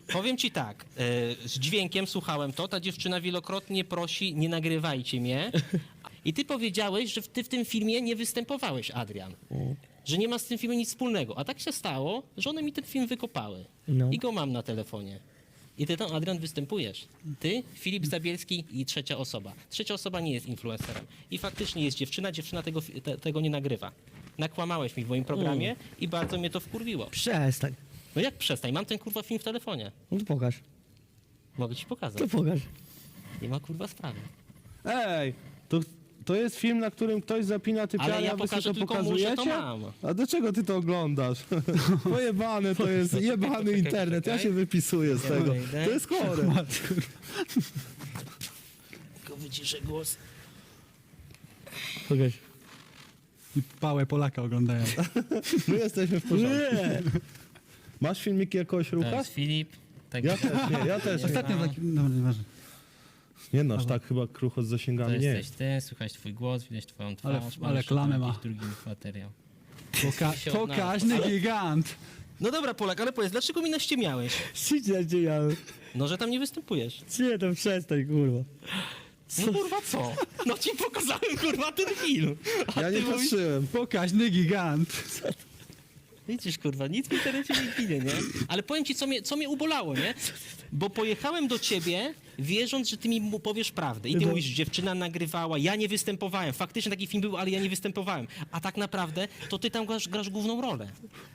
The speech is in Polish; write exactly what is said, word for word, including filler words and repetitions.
Powiem ci tak, e, z dźwiękiem słuchałem to, ta dziewczyna wielokrotnie prosi, nie nagrywajcie mnie. I ty powiedziałeś, że ty w tym filmie nie występowałeś, Adrian. Że nie ma z tym filmem nic wspólnego. A tak się stało, że one mi ten film wykopały. No. I go mam na telefonie. I ty tam, Adrian, występujesz. Ty, Filip Zabielski i trzecia osoba. Trzecia osoba nie jest influencerem. I faktycznie jest dziewczyna, dziewczyna tego, te, tego nie nagrywa. Nakłamałeś mi w moim programie Mm. i bardzo mnie to wkurwiło. Przestań. No jak przestań, mam ten kurwa film w telefonie. No to pokaż. Mogę ci pokazać. To pokaż. Nie ma kurwa sprawy. Ej, to, to jest film, na którym ktoś zapina typiarę, Ale ja a wy sobie pokażę to tylko mu, że to pokazujecie? mam. A do czego ty to oglądasz? Pojebane to jest, jebany Poczekaj, internet, ja poczekaj. się wypisuję z tego. wejdę. To jest chore. Tylko wyciszę głos. Pokaż. I pałę Polaka oglądają. My jesteśmy w porządku. Nie. Masz filmiki jakiegoś To rucha? jest Filip. Tak, Ja też nie, ja też nie. Ostatnio taki... Dobra, nieważne. Nie no, aż tak chyba krucho z to zasięgami nie jesteś ty, słychać twój głos, widać twoją twarz. Ale- mam ale jeszcze klamę drugi- ma. drugi materiał. Poka się pokaźny odnalazł. gigant. No dobra, Polak, ale powiedz, dlaczego mi naściemiałeś? Siedź cię ja. No, że tam nie występujesz. Nie, to przestań, kurwa. No kurwa co? No ci pokazałem kurwa ten film. A Ja ty nie mówisz- patrzyłem. Pokaźny gigant. Widzisz, kurwa, nic w internecie nie ginie, nie? Ale powiem ci, co mnie, co mnie ubolało, nie? Bo pojechałem do ciebie, wierząc, że ty mi mu powiesz prawdę. I ty No. mówisz, dziewczyna nagrywała, ja nie występowałem. Faktycznie taki film był, ale ja nie występowałem. A tak naprawdę to ty tam grasz, grasz główną rolę.